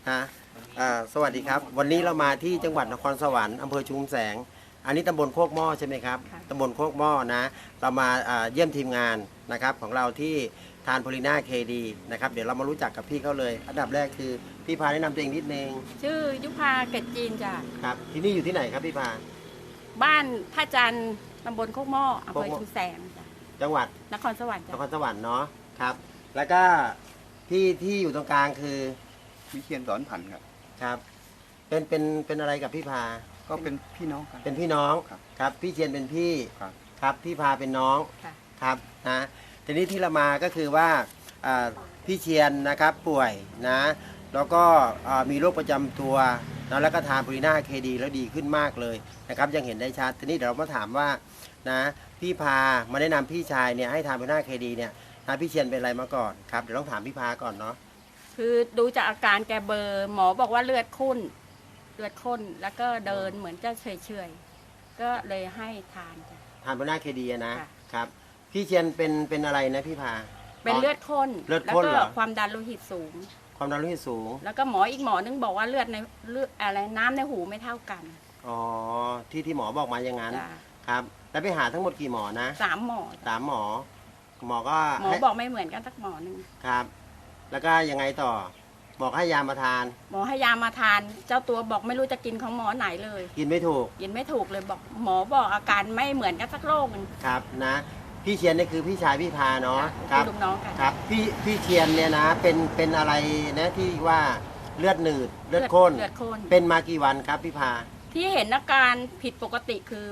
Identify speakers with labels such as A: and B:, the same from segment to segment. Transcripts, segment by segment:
A: ฮะสวัสดีครับ วันนี้เรามาที่จังหวัดนครสวรรค์อำเภอชุมแสง อันนี้ตำบลโคกหม้อใช่ไหมครับ ตำบลโคกหม้อนะ เรามาเยี่ยมทีมงานนะครับของเราที่ทานโพลิน่าเคดีนะครับ เดี๋ยวเรามารู้จักกับพี่เขาเลย อันดับแรกคือพี่พาแนะนำตัวเองนิดนึง
B: ชื่อยุพาเกตจีนจ้ะ
A: ครับ ที่นี่อยู่ที่ไหนครับพี่พา
B: บ้านท่าจันทร์ตำบลโคกหม้ออำเภอ
A: โคกหม้อ
B: ชุมแสงจ้ะ
A: จังหวัด
B: นครสวรรค์
A: น
B: จ้ะ
A: ครสวรรค์เนาะครับ แล้วก็พี่ที่อยู่ตรงกลางคือ
C: วิเชียนสอนผันครับ
A: ครับ เป็นอะไรกับพี่พา
C: ก็เป็นพี่น้องกัน
A: เป็นพี่น้อง
C: ครับ
A: ครับพี่เชียนเป็นพี่
C: ครับ
A: ครับพี่พาเป็นน้อง
B: ค่ะ
A: ครับนะทีนี้ที่เรามาก็คือว่าพี่เชียนนะครับป่วยนะแล้วก็มีโรคประจำตัวนะแล้วก็ทานโพลิน่าเคดีแล้วดีขึ้นมากเลยนะครับยังเห็นได้ชัดทีนี้เดี๋ยวเรามาถามว่านะพี่พามาแนะนำพี่ชายเนี่ยให้ทานโพลิน่าเคดีเนี่ยนะพี่เชียนเป็นอะไรมาก่อนครับเดี๋ยวต้องถามพี่พาก่อนเนาะ
B: คือดูจากอาการแกเบลอร์หมอบอกว่าเลือดข้นแล้วก็เดินเหมือนจะเฉยๆก็เลยให้ทานจ้ะ
A: ทานโพลิน่าเคดีนะ
B: ค่ะ
A: ครับพี่เชียนเป็นอะไรนะพี่พา
B: เป็นเลือดข้น
A: เลือด
B: แล้ว
A: ข้น
B: ก็
A: เหรอ
B: ความดันโลหิตสูง
A: ความดันโลหิตสูง
B: แล้วก็หมออีกหมอนึงบอกว่าเลือดอะไรน้ำในหูไม่เท่ากัน
A: อ๋อที่หมอบอกมาอย่างนั้น
B: จ้ะ
A: ครับแล้วไปหาทั้งหมดกี่หมอนะ
B: 3 หมอจ้ะ
A: 3 หมอ หมอก็
B: หมอ
A: ให้
B: บอกไม่เหมือนกันสักหมอนึง
A: ครับ แล้วก็ยังไงต่อหมอให้ยามาทาน
B: หมอให้ยามาทาน เจ้าตัวบอกไม่รู้จะกินของหมอไหนเลย
A: กินไม่ถูก
B: กินไม่ถูกเลยบอกหมอบอกอาการไม่เหมือนกันสักโรคหนึง
A: ครับนะพี่เชียนนี่คือพี่ชายพี่พาเนาะค
B: ค่ะ
A: รับ
B: เป็นลูกน้องกัน
A: ครับพี่เชียนเนี่ยนะเป็นอะไรนะที่ว่าเลือดหนืดเลือดข้น
B: เลือดข้น
A: เป็นมากี่วันครับพี่พา
B: ที่เห็นอาการผิดปกติคือ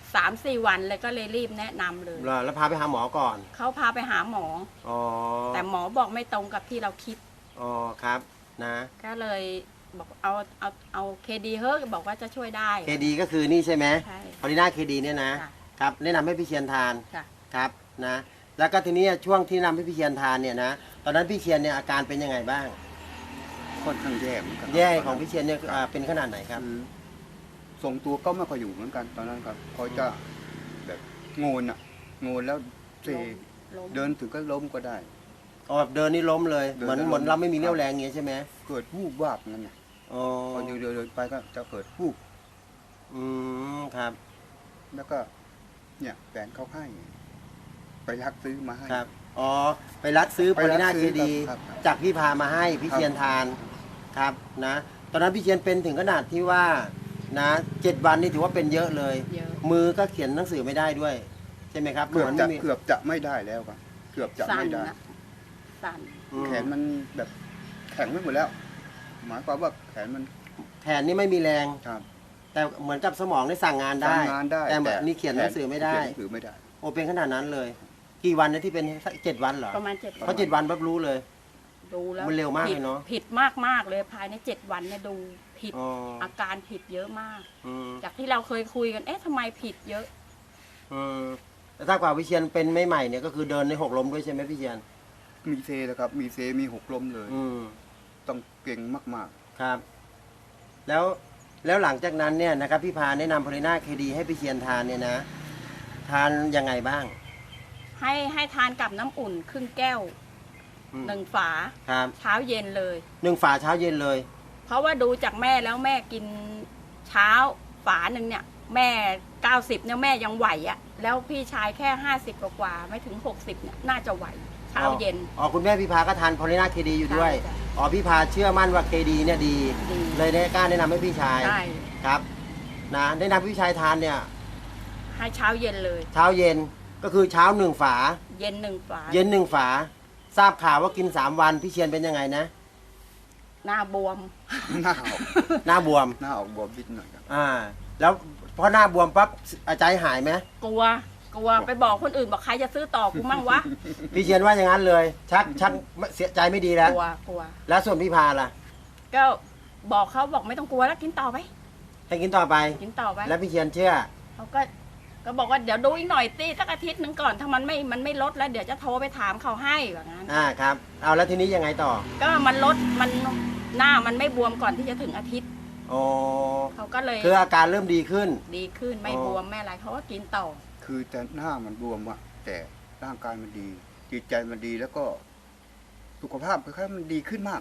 B: 3-4 วันเลยก็เลยรีบแนะนำเลย
A: แล้วพาไปหาหมอก่อน
B: เขาพาไปหาหมอ
A: อ๋อ
B: แต่หมอบอกไม่ตรงกับที่เราคิด
A: อ๋อครับนะ
B: ก็เลยบอกเอาเคดีเฮ้ยบอกว่าจะช่วยได้
A: เคดีก็คือนี่ใช่ไหม
B: ใช่
A: พอลิน่าเคดีเนี่ยนะ
B: ค่ะ
A: ครับแนะนำให้พี่เชียนทาน
B: ค่ะ
A: ครับนะแล้วก็ทีนี้ช่วงที่นำให้พี่เชียนทานเนี่ยนะตอนนั้นพี่เชียนเนี่ยอาการเป็นยังไงบ้าง
C: ค่อนข้างแย่เหมือนกัน
A: แย่ของพี่เชียนเนี่ยเป็นขนาดไหนครับ
C: คือทรงตัวก็ไม่ค่อยอยู่เหมือนกันตอนนั้นครับเขาจะแบบโงนแล้วเซ
B: ล้ม
C: เดินถึงก็ล้มก็ได้
A: อ๋อแบบเดินนี่ล้มเลย
C: เดิน
A: เหมือน
C: แล้วล้ม
A: เหมือนเราไม่มีเรี่ยวแรงอย่างเงี้ยใช่ไหม
C: เกิดวูบวาบนั่นไง
A: อ๋อ
C: พอเดินไปก็จะเกิดวูบ
A: อืมครับ
C: แล้วก็เนี่ยแฟนเขาให้ไปรักซื้อมาให้
A: ครับอ๋อไปรัดซื้อโพ
C: ไปรั
A: ลิ
C: ด
A: น่า
C: ซื้
A: เค
C: อ
A: ดี
C: ครับ
A: จากพี่พามาให้พี่
C: ครับ
A: เชียนทานครับนะตอนนั้นพี่เชียนเป็นถึงขนาดที่ว่านะ7 วันนี่ถือว่าเป็นเยอะเลย
B: เยอะ
A: มือก็เขียนหนังสือไม่ได้ด้วยใช่ไหมครับ
C: เกือบ
A: มัน
C: จะ
A: ไม่มี
C: เกือบจะไม่ได้แล้วครับเกือบจะ
B: สั่น
C: ไม่ได้
B: นะสั่น
A: อืม
C: แขนมันแบบแข็งไปหมดแล้ว หมายความว่าแขนมัน
A: แขนนี่ไม่มีแรง
C: ครับ
A: แต่เหมือนกับสมองได้สั่งงานได้
C: ทำงานได้
A: แต่แบบนี่เขียนหนังสือไม่ได้
C: เขียนหนังสือไม่ได้
A: โอเป็นขนาดนั้นเลย กี่วันนะที่เป็น7 วันเหรอ
B: ประมาณ7
A: เพราะ7 วันปั๊บรู้เลย
B: ดูแล้ว
A: มันเร็วมากเลยเนอะ
B: ผิดมากเลยภายใน7 วันเนี่ยดูผิด
A: อ๋อ
B: อาการผิดเยอะมาก
A: อืม
B: จากที่เราเคยคุยกันเอ๊ะทำไมผิดเยอะ
A: อืมแต่ถ้ากว่าวิเชียนเป็นไม่ใหม่เนี่ยก็คือเดินใน6 ล้มด้วยใช่ไหมพี่เชียน
C: มีเซนะครับ มีเซมีหกล้มเลย
A: อืม
C: ต้องเก่งมาก
A: ครับ แล้วหลังจากนั้นเนี่ยนะครับพี่พาแนะนำโพลิน่าเคดีให้พี่เชียนทานเนี่ยนะ ทานยังไงบ้าง
B: ให้ทานกับน้ำอุ่นครึ่งแก้ว
A: อืม
B: 1 ฝา
A: ครับ
B: เช้าเย็นเลย
A: 1 ฝาเช้าเย็นเลย
B: เพราะว่าดูจากแม่แล้วแม่กินเช้าฝาหนึ่งเนี่ย แม่90เนี่ยแม่ยังไหวอะแล้วพี่ชายแค่50กว่าๆไม่ถึง60เนี่ยน่าจะไหวเช้าเย็น
A: อ๋อคุณแม่พี่พาก็ทานโพลิน่าเคดีอยู่ด้วย
B: ใช่จ้ะ
A: อ๋อพี่พาเชื่อมั่นว่าเคดีเนี่ยดี
B: ดี
A: เลยได้กล้าแนะนำให้พี่ชาย
B: ใช่
A: ครับนะแนะนำพี่ชายทานเนี่ย
B: ให้เช้าเย็นเลย
A: เช้าเย็นก็คือเช้า1 ฝา
B: เย็น1 ฝา
A: เย็น1 ฝา ทราบข่าวว่ากิน3 วันพี่เชียนเป็นยังไงนะ
B: หน้าบวม
C: ๆ หน้าออก
A: หน้าบวม
C: หน้าออกบวมนิดหน่อยครับ
A: แล้วพอหน้าบวมปั๊บใจหายไหม
B: กลัวไปบอกคนอื่นบอกใครจะซื้อต่อกูมั่งวะ
A: พี่เชียนว่าอย่างนั้นเลย ชักเสียใจไม่ดีแล้ว
B: กลัว
A: แล้วส่วนพี่พาล่ะ
B: ก็บอกเขาบอกไม่ต้องกลัวแล้วกินต่อไป
A: ให้กินต่อไป
B: กินต่อไป
A: แล้วพี่เชียนเชื่อ
B: เขาก็บอกว่าเดี๋ยวดูอีกหน่อยสิสักอาทิตย์หนึงก่อนถ้ามันไม่ลดแล้วเดี๋ยวจะโทรไปถามเขาให้แบบนั้น
A: ครับเอาแล้วทีนี้ยังไงต่อ
B: ก็มันลดมันหน้ามันไม่บวมก่อนที่จะถึงอาทิตย์
A: โอ้
B: เขาก็เลย
A: คืออาการเริ่มดีขึ้น
B: ดีขึ้นไม่บวมไม่อะไรเขาก็กินต่อ
C: คือแต่หน้ามันบวมอะแต่ร่างกายมันดี จิตใจมันดีแล้วก็สุขภาพคล้ายๆมันดีขึ้นมากอะ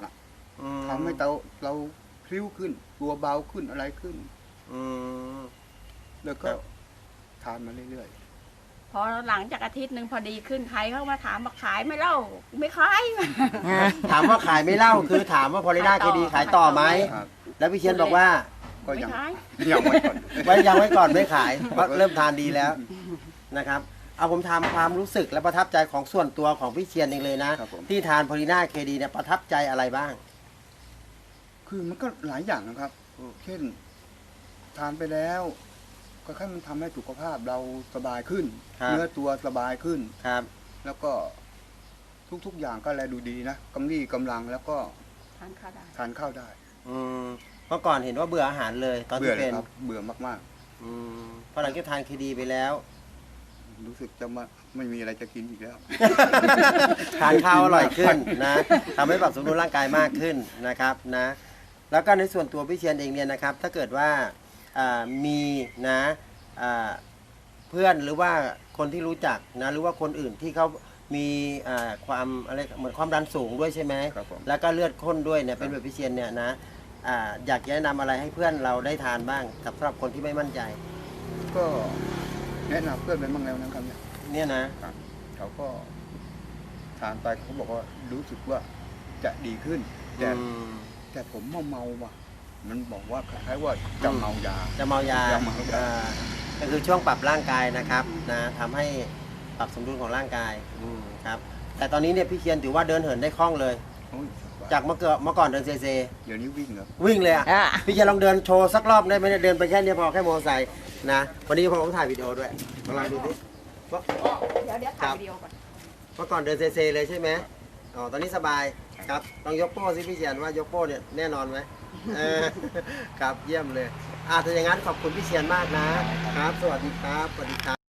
A: อืม
C: ทำให้เราพลิ้วขึ้น ตัวเบาขึ้นอะไรขึ้น
A: อืม
C: แล้วก็
A: ครับ
C: ทานมาเรื่อย
B: พอหลังจากอาทิตย์หนึ่งพอดีขึ้นใครเข้ามาถามมาขายไหม่เล่าไม่ขาย
A: ถามว่าขายไม่เล่าคือถามว่าพอลิน่าเคดีขายต่อไหม
C: ๆครับ
A: แล้วพี่เชียนบอกว่า
C: ก็
B: ไม่
C: ยัง
B: ขาย
C: ยังไม่ก่อน
A: ไว้ยังไว้ก่อนไม่ขายเพราะเริ่มทานดีแล้วนะครับ เอาผมถามความรู้สึกและประทับใจของส่วนตัวของพี่เชียนเองเลยนะ
C: ครับผม
A: ที่ทานพอลิน่าเคดีเนี่ยประทับใจอะไรบ้าง
C: คือมันก็หลายอย่างนะครับ
A: อืม
C: เช่น ทานไปแล้วก็แค่มันทำให้สุขภาพเราสบายขึ้น เนื้อตัวสบายขึ้น
A: ครับ
C: แล้วก็ทุกๆอย่างก็แลดูดีนะกำลี่กำลังแล้วก็
B: ทานข้าวได้
C: ทานข้าวได้
A: อืมเมื่อก่อนเห็นว่าเบื่ออาหารเลยตอน
C: เบื่อ
A: ที่
C: เล
A: เป็
C: ย
A: น
C: ครับ เบื่อมาก
A: อืมพอหลังจากทานเคดีไปแล้ว
C: ๆ รู้สึกจะไม่มีอะไรจะกินอีกแล้ว
A: ทานข้าวอร่อยขึ้นนะทำให้ปรับสมดุลร่างกายมากขึ้นนะครับนะ แล้วก็ในส่วนตัวพี่เชียนเองเนี่ยนะครับ ถ้าเกิดว่ามีนะเพื่อนหรือว่าคนที่รู้จักนะหรือว่าคนอื่นที่เขามีความอะไรเหมือนความดันสูงด้วยใช่ไหม
C: ครับผม
A: แล้วก็เลือดข้นด้วยเนี่ยเป็นแบบพี่เชียนเนี่ยนะอยากจะแนะนำอะไรให้เพื่อนเราได้ทานบ้างสำหรับคนที่ไม่มั่นใจ
C: ก็แนะนำเพื่อนไปบ้างแล้วนะครับเนี่ย
A: เนี่ยนะ
C: เขาก็ทานไปเขาบอกว่ารู้สึกว่าจะดีขึ้น แต่
A: อืม
C: แต่ผมเมาว่ะ มันบอกว่าคล้ายๆว่าจะเมายา
A: จะเมายา
C: จะเมายา
A: ก็คือช่วงปรับร่างกายนะครับนะทำให้ปรับสมดุลของร่างกายครับแต่ตอนนี้เนี่ยพี่เคียนถือว่าเดินเหินได้คล่องเลย
C: โอ้ย
A: จากเมื่อก่อนเดินเซเซ
C: เดี๋ยวนี้วิ่งครับ
A: วิ่งเลยอ่ะ
B: อ่ะ
A: พี่เคียนลองเดินโชว์สักรอบได้ไหมเนี่ยเดินไปแค่นี้พอแค่มอเตอร์ไซค์นะวันนี้ผมถ่ายวิดีโอด้วยลองดูดิว่า
B: เดี๋ยวถ่ายวิดีโอก่อน
A: เมื่อก่อนเดินเซเซเลยใช่ไหมอ๋อตอนนี้สบายครับลองยกโป้สิพี่เคียนว่ายกโป้เนี่ยแน่นอนไหมครับเยี่ยมเลยถ้าอย่างนั้นขอบคุณพี่เชียนมากนะครับ สวัสดีครับสวัสดีครับ